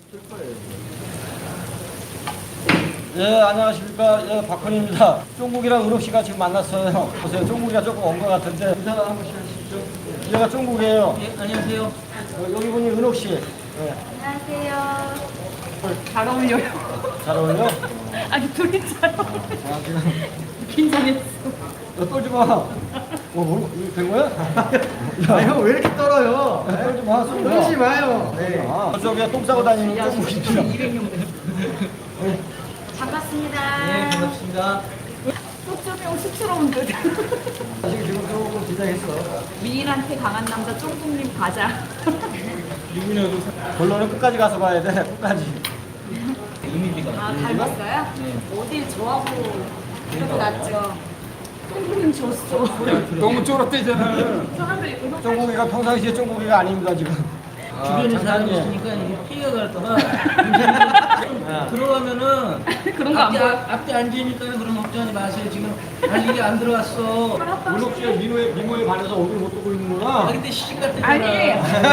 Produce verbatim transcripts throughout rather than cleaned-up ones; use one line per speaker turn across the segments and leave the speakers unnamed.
예, 안녕하십니까. 예, 박헌입니다. 쫑국이랑 은옥 씨가 지금 만났어요. 보세요. 쫑국이가 조금 온 것 같은데. 인사 한 번씩 하시죠. 얘가 쫑국이에요.
예, 안녕하세요.
어, 여기 분이 은옥 씨. 예.
안녕하세요. 잘 어울려요.
잘 어울려?
아니 둘이 잘 어울려.
아, 지금.
긴장했어.
너 떨지 마. 어, 뭐, 이거 된 거야?
아, 형 왜 이렇게 떨어요?
야, 떨지 마. 쏘지 마.
떨지 마요.
네. 아, 저쪽에 똥 싸고 다니는 쫑국입니다.
이백 명 반갑습니다.
네, 반갑습니다.
소점형 쑥스러운데.
아직 지금 조금 긴장했어.
미인한테 강한 남자 쫑국님 가자.
본론은 끝까지 가서 봐야 돼. 끝까지.
이미지가.
아 닮았어요?
네.
어딜 저하고 이렇게 났죠. 쫑국님 졌어.
너무 쫄았대잖아.
사람들이 은옥
쫑국이가 평상시에 쫑국이가 아닙니다, 지금.
주변에 사람이
장난이에요.
있으니까 이게 피해가 갈까봐 들어가면은
그런 거 안
앞에,
보여.
앞에 앉으니까 그런 걱정하지 마세요. 지금 아직 이게 안 들어왔어.
은옥 씨가 미모에, 미모에 반해서 얼굴 못 뜨고
아
있는구나.
근데 시집 갔대잖아.
아니.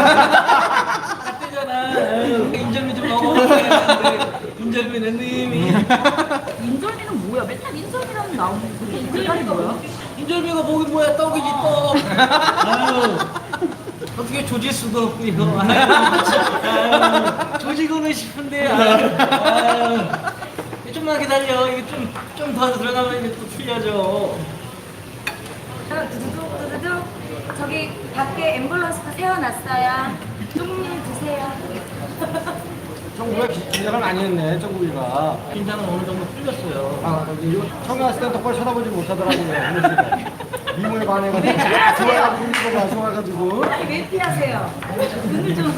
갔대잖아. 인절미 좀 먹어. 인절미 내 님이.
인절미는 뭐야? 맨날 인절미라면 나오는 그게 인절미 뭐야?
인절미가 목이 뭐야? 떡이지 떡. 아유. 어떻게 조질 수도 없고 이거. 아유, 조지고는 싶은데. 아유, 아유. 좀만 기다려. 이게 좀 좀 더 들어가면 이게 또 풀려져.
두두둑 두두둑 저기 밖에 앰뷸런스가 세워놨어요. 쫑국님 드세요.
쫑국이가 기- 긴장을 많이 했네, 쫑국이가.
긴장은 어느 정도 풀렸어요.
아, 이거 처음에 왔을 때 똑바로 쳐다보지 못하더라고요, 은옥 씨가. 미모에 반해가지고. 아, 좋아가지고, 미모가 좋아가지고.
아니 왜 피하세요? 눈을 좀.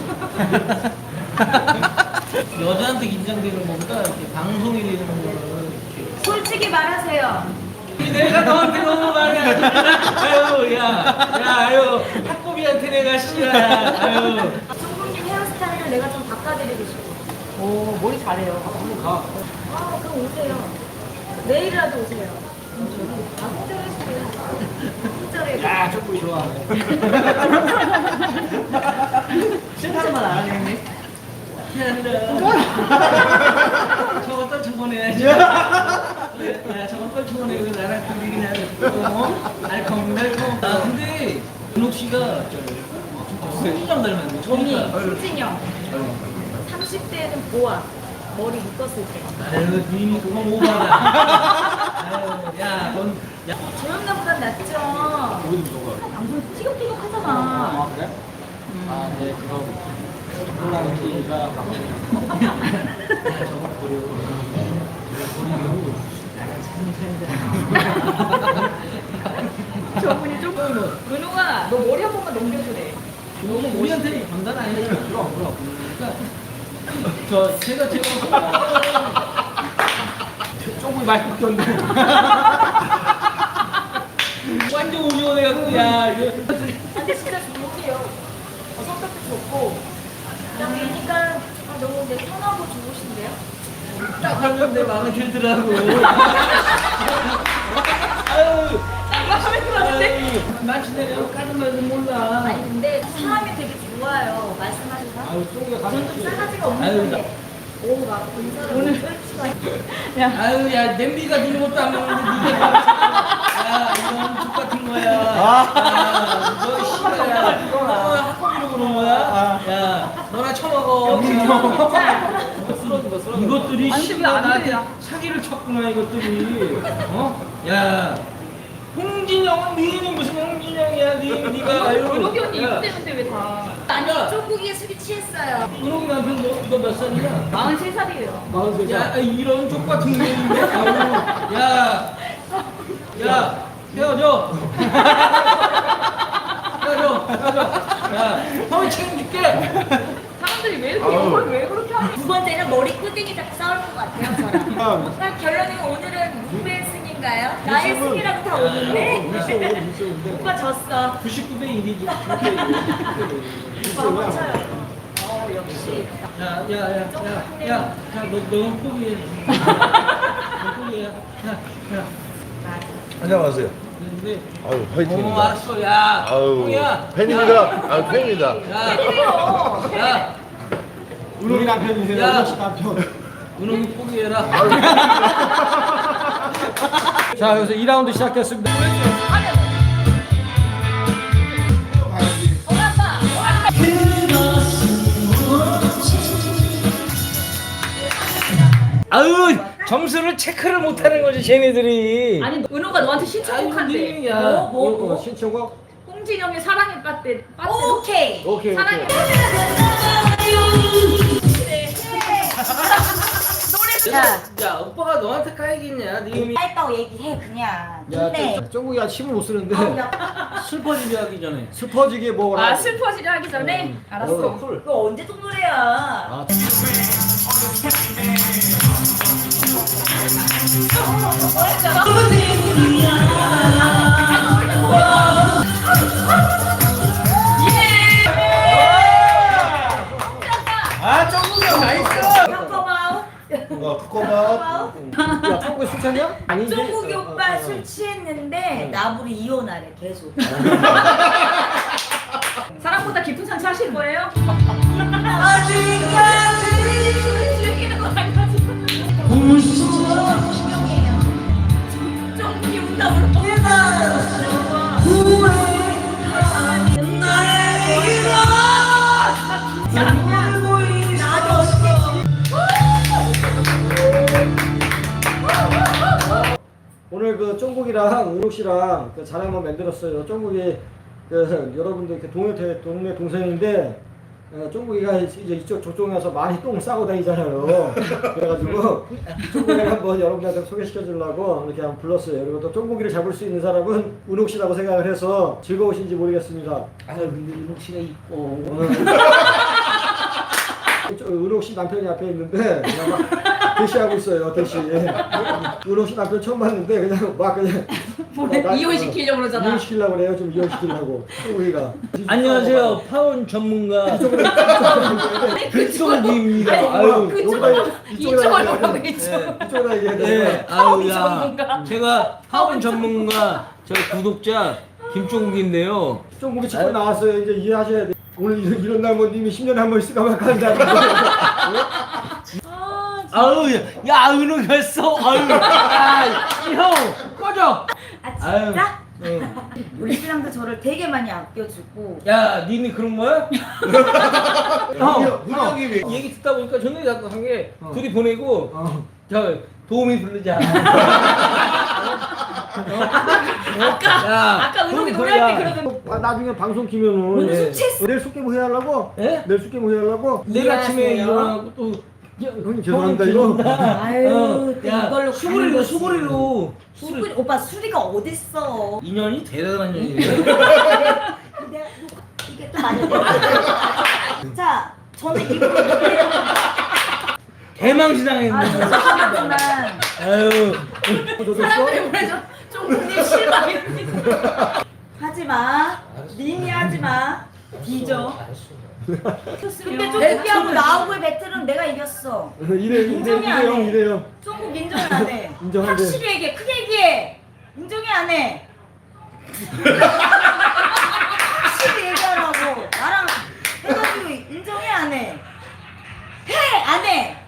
여자한테 긴장되는 것보다 이렇게 방송이 되는 거는 이렇게.
솔직히 말하세요.
내가 너한테 너무 말해. 아유, 야, 야, 아유, 학고비한테 내가 씨야. 아유.
쫑국님 헤어스타일을 내가 좀 바꿔드리고 싶어.
오, 머리 잘해요. 한번 가.
아 그럼 오세요. 내일이라도 오세요. 아 혼자해주세요. 혼자래.
야, 쫑국이 좋아하네.
진짜만 안 하네. 미안합니다. 저거 떨쳐보내야지. 야, 저거 떨쳐보내고 나랑 둘이 그냥 어? 알콩달콩. 아, 근데 은옥 씨가 손이랑 닮았네.
언니
저니까.
김진영. 삼십 대에는 보아. 머리 묶었을 때.
아유, 님이 그건 오바다. 아유, 야, 넌, 야.
조영남보단 낫죠.
어디 누가?
방송 티격태격 하잖아.
아, 그래? 아, 네, 그거. 쫑국이가
저분이 좀 은호가 너 머리 한 번만 넘겨주래.
너무 우리한테 감당 아니잖아. 그럼, 그럼. 그러니까, 저, 제가, 제가.
쫑국이 많이 바뀌었네.
완전 우려해갖고, 야, 이거.
근데 진짜 좋으세요. 어, 성격도 좋고. 그러니까 아, 너무 이제 편하고 좋으신데요?
딱 하면 내 마음에 들더라고. 아유,
마음에 들었는데?
마치 내가 까는 말도 몰라.
아니 근데 사람이 되게 좋아요. 말씀하신 사람.
아유, 쫑국이가 가면
저는 좀 싸가지가
아유,
없는데. 오, 막 인사를 오늘 떨치가.
아유, 야, 냄비가 들는 것도 안 먹는데, 니가 야, 이건 족 같은 거야. 야, 너 씨발야. 너 학교비로 그런 거야? 야, 너나 처먹어. 이것들이
아니,
씨발
왜안
나한테
돼요?
사기를 쳤구나, 이것들이. 어? 야, 홍진영은 니는 무슨 홍진영이야, 니, 니가. 아유.
은옥이 언니
야,
이거 때문에 왜 다. 아니,
야.
쫑국이에 술이 취했어요.
은옥이 남편 너, 너 몇 살이야?
마흔세 살이에요.
마흔세 살.
야, 이런 족 같은 년인데? 야, 야, 헤어져. 헤어져, 헤어져. 야, 형이 책임질게.
사람들이 왜 이렇게 욕을 왜 그렇게 하는
두 번째는 머리 끄댕이 잡고 싸울 것 같아요, 저랑. 그럼 결론은 오늘은 누구의 승인가요? 나의 승이라고 다 오는데? 오빠 졌어.
구십구 대 일이지.
오빠 맞춰요. 어, 역시.
야, 야, 야, 야, 야, 야, 너, 너는 포기해. 너 포기해. 야, 야.
안녕하세요.
근데,
아유,
어,
화이팅입니다.
알았어, 야.
아유,
형이야.
팬입니다. 아, 팬입니다.
야,
때리래요.
야,
우리 남편이세요.
야.
은옥 씨 남편.
은옥이 포기해라.
자, 그래서 이 라운드 시작됐습니다.
아유 점수를 체크를 못하는 거지 쟤네들이.
아니 은호가 너한테 신청곡한대.
아유,
뭐, 뭐,
어,
뭐?
신청곡?
홍진영의 사랑의 빠떼. 빠떼.
오케이.
오케이,
사랑의
오케이.
야,
야 오빠가 너한테 까이겠냐? 네 이름이
짧다고 얘기해 그냥.
야,
근데
쫑- 쫑국이가 침을 못 쓰는데
아우, 야,
슬퍼지게 하기 전에.
슬퍼지게 뭐
아 슬퍼지려 하기 전에 알았어.
어.
그거 언제 또 노래야?
아,
아 정국이 나이스.
평범하오.
어, 코코넛.
야, 쫑국이 술 취했냐? 아니지?
종국이
어,
오빠
어, 어.
술 취했는데 나부리 이혼하래 계속.
사랑보다 깊은 산차 하실 거예요? 즐기는 거 아니지? 정국이 운다 울어.
오늘 그 쫑국이랑 은옥 씨랑 그 자랑 한번 만들었어요. 쫑국이 그 여러분들 그 동네 대- 동네 동생인데 어, 쫑국이가 이제 이쪽 저쪽에서 많이 똥 싸고 다니잖아요. 그래가지고 쫑국이를 한번 여러분들한테 소개시켜 주려고 이렇게 한번 불렀어요. 그리고 또 쫑국이를 잡을 수 있는 사람은 은옥 씨라고 생각을 해서 즐거우신지 모르겠습니다.
아유 근데 은옥 씨가 이뻐.
저 은옥 씨 남편이 앞에 있는데 그냥 막 대시하고 있어요. 대시. 은옥 씨 남편 처음 봤는데 그냥 막 그냥
뭐래?
막 나-
이혼시키려고 그러잖아.
이혼시키려고 그래요. 좀 이혼시키려고. 우리가.
안녕하세요 파원 전문가 그쪽입니다.
아니,
아유
그쪽으로
이쪽으로
이쪽으로
하면
오라고 이쪽.
이쪽으로 얘기해야
네,
돼.
아유 야
전문가.
제가 파원 전문가 저 구독자 김종국인데요.
좀 우리 친구 나왔어요. 이제 이해하셔야 돼. 오늘 이런, 이런 날 뭐 님이 십 년에 한 번 있을까 말까 한다는 거.
아유 야, 야 은옥이었어. 아유 야형 꺼져.
아 진짜?
응.
우리 신랑도 저를 되게 많이 아껴주고.
야 니네 그런 거야? 형
은옥이 왜?
얘기 듣다 보니까 전에 자꾸 한게
어.
둘이 보내고
어.
저 도우미 부르자.
아까
야,
아까 은옥이
그럼
노래할 때
그거야.
그러던.
아, 나중에 방송 키면은
오늘
예.
술 취했어.
내일 숙제뭐 해야 하려고?
예?
내일 숙제뭐 해야 하려고?
내일 아침에
이해하세요?
일어나고 또
야, 형님 죄송합니다 이거.
아유,
어,
또
야,
이걸로
수고리로
가는 거지.
수고리로
수리, 오빠 수리가 어딨어?
인연이 대단한 인연이에요.
내가 이게 또 많이 자, 저는 이거
대망신당했네.
아, 죄송하지만
아유.
사람들이 보내줘. 종국님 실망입니다.
하지 마. 님이 하지 마. 뒤져. 근데 좀
네,
포기하고 나하고의 배틀은 내가 이겼어.
이래 이래
인정이 안
이래요
해.
이래요.
종국 인정을 안 해.
인정한대.
확실히 얘기해. 크게 얘기해. 인정이 안 해. 확실히 얘기하라고. 나랑 해가지고 인정이 안 해. 해! 안 해!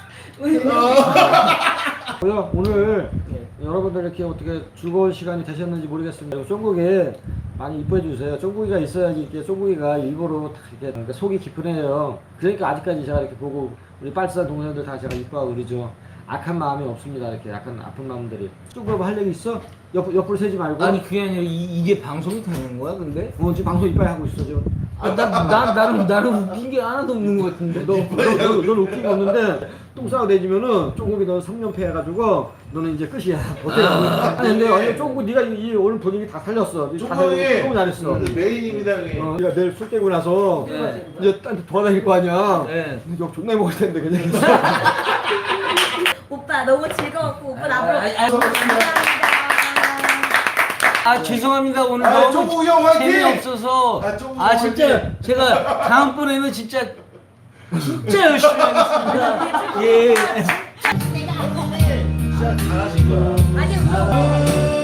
뭐야, 오늘 여러분들 이렇게 어떻게 즐거운 시간이 되셨는지 모르겠습니다. 쫑국이 많이 이뻐해 주세요. 쫑국이가 있어야지 이렇게 쫑국이가 일부러 다 이렇게 그러니까 속이 깊은 애예요. 그러니까 아직까지 제가 이렇게 보고 우리 빨치산 동생들 다 제가 이뻐하고 그러죠. 악한 마음이 없습니다. 이렇게 약간 아픈 마음들이. 쫑국이 할 얘기 있어? 옆 옆으로 세지 말고.
아니 그게 아니라 이, 이게 방송이 되는 거야 근데?
어, 지금 방송 이빨 하고 있어 지금.
아, 나, 나, 나는, 나는 웃긴 게 하나도 없는 것 같은데.
너, 너, 너, 너는 웃긴 게 없는데 똥 싸고 내지면은 쫑국이 너 삼 년 패해가지고 너는 이제 끝이야. 어때?
아,
아니 근데 아니 쫑국 네가 이, 이 오늘 분위기 다 살렸어. 다 살렸어. 너무 잘했어.
메인입니다, 형님.
어, 네가 내일 술 깨고 나서
네.
이제 딴데 돌아다닐 거 아니야.
네.
욕 존나 먹을 텐데 그냥.
오빠 너무 즐거웠고 오빠 나보러
아, 아, 아,
감사합니다.
아 죄송합니다 오늘
아,
너무
종국이 형 화이팅!
재미없어서
아, 종국이
아
형
진짜
화이팅!
제가 다음번에는 진짜 진짜 열심히 하겠습니다. 예.
진짜 잘하신 거야.
아니